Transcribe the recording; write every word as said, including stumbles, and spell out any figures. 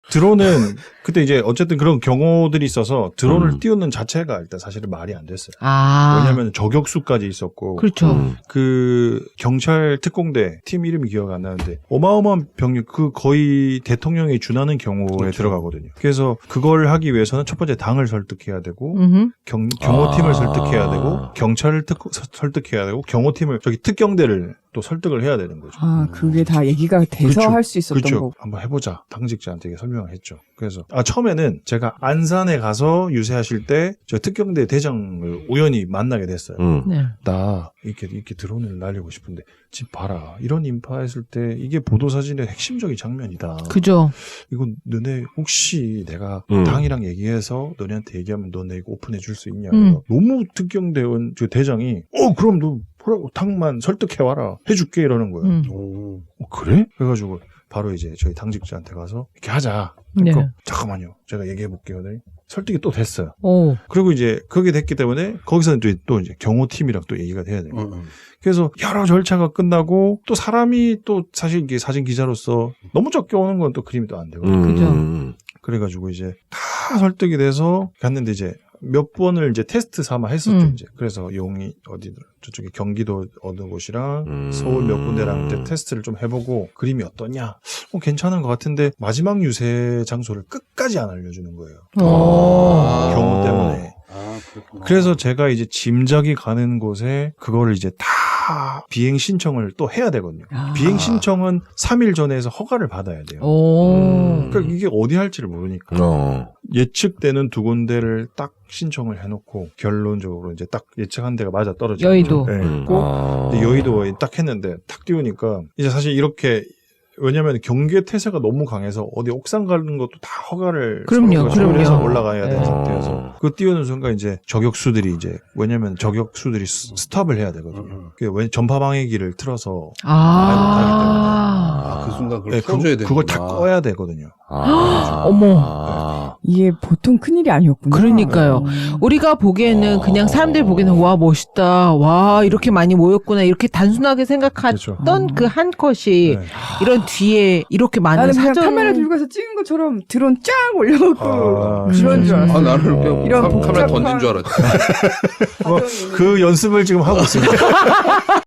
드론은 그때 이제 어쨌든 그런 경우들이 있어서 드론을 음. 띄우는 자체가 일단 사실은 말이 안 됐어요. 아. 왜냐하면 저격수까지 있었고. 그렇죠. 음. 그 경찰 특공대 팀 이름이 기억 안 나는데 어마어마한 병력 그 거의 대통령에 준하는 경우에 그렇죠. 들어가거든요. 그래서 그걸 하기 위해서는 첫 번째 당을 설득해야 되고 음흠. 경, 경호팀을 아. 설득해야 되고 경찰을 특, 설득해야 되고 경호팀을 저기 특경대를 또 설득을 해야 되는 거죠. 아, 그게 다 얘기가 돼서 그쵸. 할 수 있었던 그렇죠. 거고. 한번 해보자. 당직자한테 설명을 했죠. 그래서 아 처음에는 제가 안산에 가서 유세하실 때 저 특경대 대장을 우연히 만나게 됐어요. 음. 네. 나 이렇게 이렇게 드론을 날리고 싶은데 지금 봐라 이런 인파했을 때 이게 보도사진의 핵심적인 장면이다. 그죠. 이건 너네 혹시 내가 음. 당이랑 얘기해서 너네한테 얘기하면 너네 이거 오픈해 줄 수 있냐? 음. 너무 특경대원 저 대장이 어 그럼 너 뭐라고 당만 설득해 와라 해줄게 이러는 거예요. 음. 오. 어, 그래? 그래가지고 바로 이제 저희 당직자한테 가서 이렇게 하자. 네. 그러니까 잠깐만요. 제가 얘기해 볼게요. 네. 설득이 또 됐어요. 오. 그리고 이제 그게 됐기 때문에 거기서는 또, 또 이제 경호팀이랑 또 얘기가 돼야 돼요. 음. 그래서 여러 절차가 끝나고 또 사람이 또 사실 이게 사진 기자로서 너무 적게 오는 건 또 그림이 또 안 되거든요. 음. 그죠. 음. 그래가지고 이제 다 설득이 돼서 갔는데 이제 몇 번을 이제 테스트 삼아 했었죠. 음. 이제 그래서 용이 어디 저쪽에 경기도 어느 곳이랑 음. 서울 몇 군데랑 이제 테스트를 좀 해보고 그림이 어떠냐? 어, 괜찮은 것 같은데 마지막 유세 장소를 끝까지 안 알려주는 거예요. 오. 아. 경호 때문에. 아, 그렇구나. 그래서 제가 이제 짐작이 가는 곳에 그거를 이제 다 비행 신청을 또 해야 되거든요. 아. 비행 신청은 삼 일 전에 해서 허가를 받아야 돼요. 오. 음. 그러니까 이게 어디 할지를 모르니까. 어. 예측되는 두 군데를 딱 신청을 해놓고 결론적으로 이제 딱 예측한 데가 맞아 떨어지고 여의도. 네. 음. 꼭 아. 이제 여의도에 딱 했는데 딱 띄우니까 이제 사실 이렇게 왜냐하면 경계 태세가 너무 강해서 어디 옥상 가는 것도 다 허가를 그럼요, 서로가 해서 그럼요. 올라가야 되는 네. 상태여서 그 띄우는 순간 이제 저격수들이 이제 왜냐하면 저격수들이 스- 스탑을 해야 되거든요. 음. 그게 왜 전파 방해기를 틀어서 아. 아, 그 순간 그걸 네, 풀어줘야 그, 되는 그걸 다 꺼야 되거든요. 아. 어머. 아. 이게 보통 큰일이 아니었구나. 그러니까요. 음. 우리가 보기에는 어. 그냥 사람들이 보기에는 와 멋있다. 와 이렇게 많이 모였구나. 이렇게 단순하게 생각했던 그렇죠. 그 한 컷이 네. 이런 뒤에 이렇게 많은 나는 그냥 사전 카메라 들고 가서 찍은 것처럼 드론 쫙 올려놓고 아, 그런 줄 알았어. 아, 나는 이렇게 이런 카- 카메라 복잡한- 던진 줄 알았지. 뭐, 그 연습을 지금 하고 있습니다.